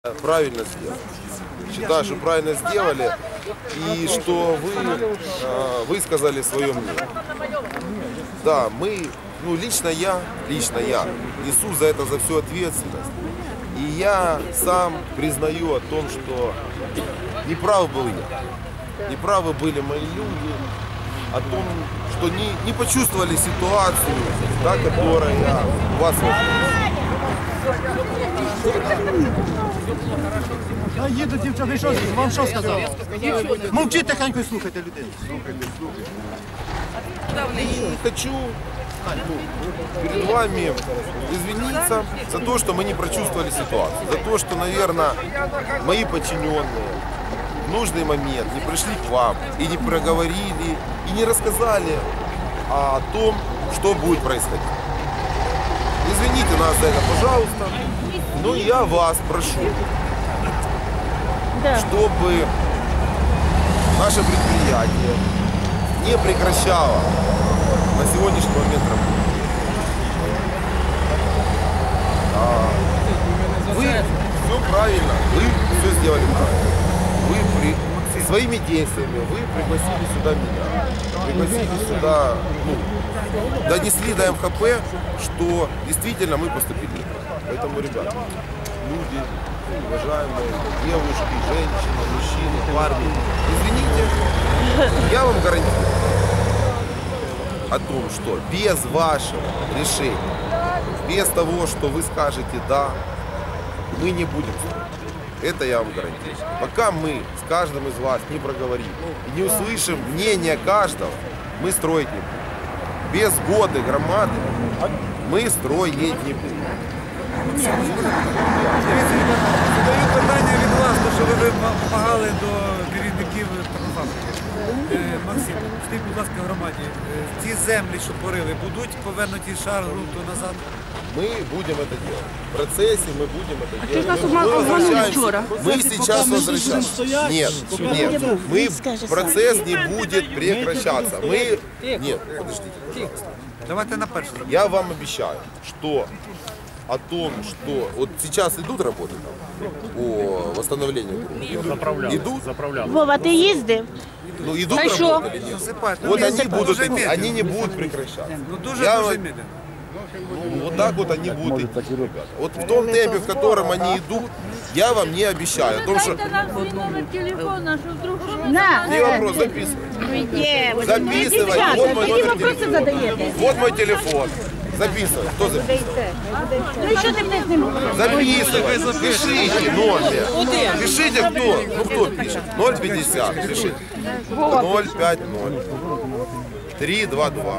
Правильно сделали. Считаю, что правильно сделали и что вы высказали свое мнение. Да, мы, лично я несу за это всю ответственность. И я сам признаю о том, что неправ был я. Неправы были мои люди о том, что не почувствовали ситуацию, да, которая у вас Їду, дівчата, вам що сказали? Мовчіть тихенько і слухайте людей. И хочу перед вами извиниться за то, что мы не прочувствовали ситуацию, за то, что, наверное, мои подчиненные в нужный момент не пришли к вам и не проговорили, и не рассказали о том, что будет происходить. Извините нас за это, пожалуйста, но я вас прошу, чтобы наше предприятие не прекращало на сегодняшний момент работу. Вы все правильно, вы все сделали правильно. Вы своими действиями вы пригласили сюда меня, пригласили сюда, донесли до МХП, что действительно мы поступили неправильно. Поэтому, ребята, люди, уважаемые девушки, женщины, мужчины, парни, извините, я вам гарантирую о том, что без вашего решения, без того, что вы скажете «да», мы не будем строить. Это я вам гарантирую. Пока мы с каждым из вас не проговорим и не услышим мнение каждого, мы строить не будем. Без сгоды громады мы строить не будем. Задаю питання від вас, тому що ви вимагали до керівників торгофабрики. Максим, скажіть, будь ласка, громаді, ці землі, що порили, будуть повернуті шар ґрунту назад? Мы будем это делать. В процессе мы будем это делать. нас обманули вчера. Мы сейчас возвращаемся. Нет. Процесс не будет прекращаться. Нет, подождите, пожалуйста. Давайте на перше. Я вам обещаю, что о том, что вот сейчас идут работы там, по восстановлению грунта. Идут? Вова, ти їздив? Идут А что? работы или нет? Вот они будут идти, они не будут прекращаться. Дуже медленно. Вот так вот они будут идти, ребята. Вот в том темпе, в котором они идут, я вам не обещаю. О том, что... номер телефона, что вдруг На. Не вопрос, записывай. Записывай. Вот мой Які номер вопроси телефона. задаєте? Вот мой телефон. Записывай. Кто записывает? Ну і що ти мене з ним? Записывай. Пишите номер. Пишите кто. Кто пишет? 050. Пишите. 050. 322.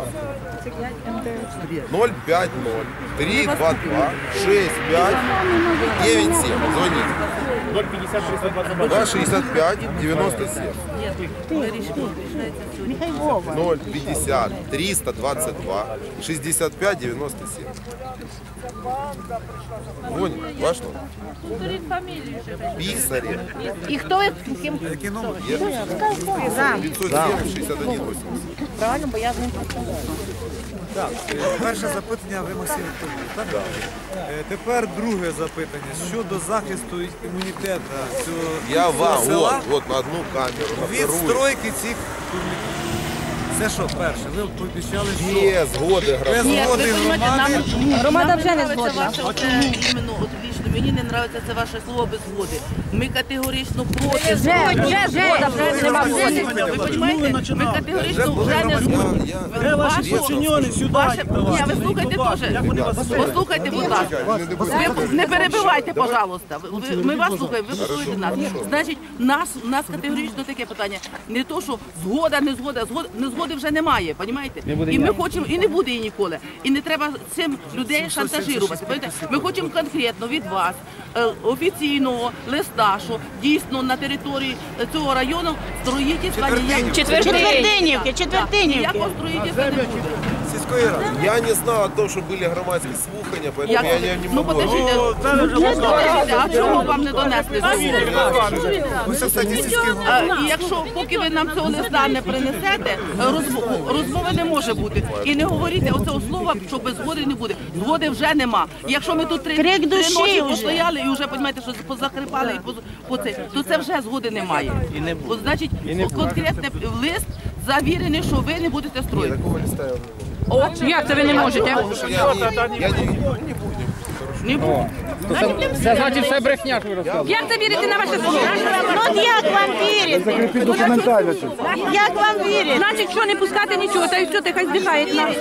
050 322 65 97. Звоните. 050 322 265 97. Нехай Вова. 050 322 65 97. Вон, ваш номер. фамилию еще. Писарев. І хто ви? Ким? Який номер? 509 61 80. Правильно, бо я з ним. Перше запитання ви, Максим Вікторович, так? Тепер друге запитання. Щодо захисту імунітету Я цього вам, села вот на одну камеру, на від вторую. стройки цих турніків. Це що, перше? Ви пообіцяли, що Без згоди без громади. згоди громади Громада вже не згодна. Іменно, от лично мені не подобається це ваше слово без згоди. Ми категорично проти. Вже нема згоди. Ви розумієте? Ми категорично вже не згодні. Де ваші подчинені сюди? Ні, ви слухайте теж. Послухайте, будь ласка. Ви не перебивайте, пожалуйста. Ми вас слухаємо, ви послухайте нас. Значить, у нас категорично таке питання. Не то, що згода, не згода, не згоди вже немає, розумієте? І ми хочемо, і не буде її ніколи. І не треба цим людей шантажувати. Ми хочемо конкретно від вас офіційного листа, що дійсно на території цього району строїтельства ніякого Четвертинівки. ніякого строїтельства не буде. міської ради. Я не знал о том, что были громадские слухания, поэтому Як? я не Ну, могу. подождіть, а чого вам не донесли? Ви це, кстати, сільський І якщо поки ви нам цього листа не принесете, розмови не може бути. І не говоріть оцього слова, що без згоди не буде. Згоди вже нема. І якщо ми тут три ночі постояли і вже, розумієте, що позакрипали, то це вже згоди немає. От, значить, конкретний лист завірений, що ви не будете строїти. Такого листа я не могу. Як це ви не можете? Я не будем. Не буде. Це значить все брехня, що ви розказуєте. Як це вірити на ваше слово? От як вам вірити? Як вам вірити? Значить, що не пускати нічого, та й що ти хай здихає нас.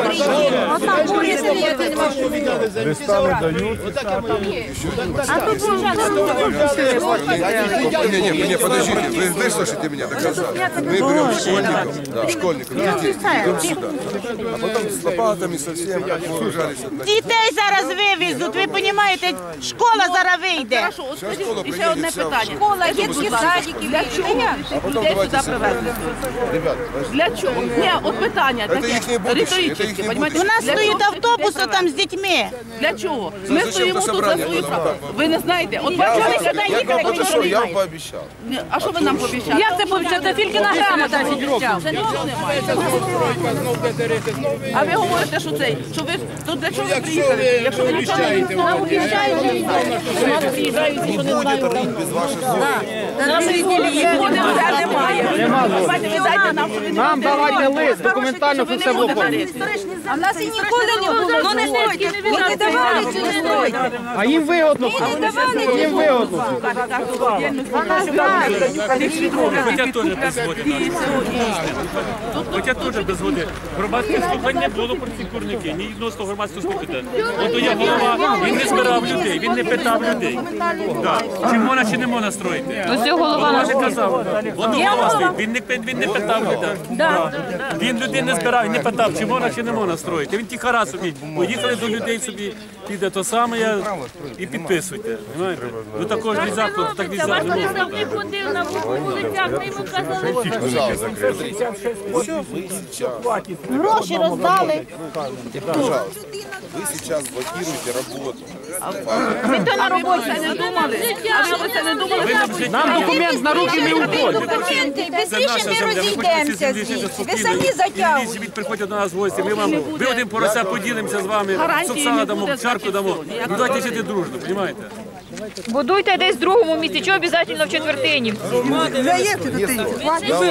Не, подождите, вы выслушайте меня до конца. Мы берем школьников, детей, идем сюда. А потом с лопатами совсем сужались. Дітей зараз вивезуть, ви розумієте, школа зараз вийде. Хорошо, от Щас скажіть, школа і ще приїде, одне вся питання. в- Школа, автобуси дітські стоять. садики, для чого А потом людей давайте сюди привезли? Ребят, подождите. Для чого? Ні, от питання Це таке, їхнє будущее, це риторичне, їхнє понімаєте? У нас Для стоїть чого автобус людей там з дітьми. Для чого? Ми Зачем стоїмо то тут за собрання свою було? справу. Ви не знаєте? От Я бачите, вам їхали, подошел, я вам пообещал. А що ви нам пообіцяли? Як це повітря? Це тільки на грамота обіцяв. Це нічого немає. А ви говорите, що цей, що ви, то для чого ви приїхали? Якщо ви нічого не Будет рыть без ваших зон. Згоди вже немає. Давайте ви дайте нам, що ви не Нам будете давайте робити. лист, документально, Що ви що не все в будете оформі. робити. А в нас і ніколи не було. Ну не стільки не давали чи не давали. А їм вигодно. Їм вигодно. Хоча теж без води. Громадське слухання не було про ці курники, ні відносно громадського слухання. От є голова, він не збирав людей, він не питав людей. Так. Чи можна, чи не можна строїти. Ось цього голова Голова ж казав, воно голова стоїть, він не питав людей. Він людей не збирав, він не питав, чи можна, чи не можна строїти. Він тихара собі, поїхали до людей собі, піде то саме і підписуйте. Знаєте? Ну також нельзя, так нельзя. Ваш представник ходив на вулицях, ми йому казали, Пожалуйста, смотрите. Вот вы сейчас, Гроші роздали. пожалуйста, вы сейчас блокируете работу. А ви про це не думали? А ви про це не думали? Нам документ на руки не уходить. Документи, без Це наша рішень ми земля, ви хочете ці землі жити Ви самі спокійно. затягуєте. Ідіть, приходьте до нас в гості, ми один порося поділимося з вами, Гарантії соксана не дамо, буде, чарку значить, дамо. все. Ну давайте жити дружно, розумієте? Будуйте десь в другому місці, чого обов'язково в четвертині. Я вам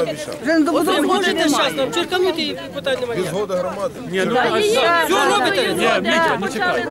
обещал. Без года громады. Ні, ну, а що? Ні, Мітя, ну чекай.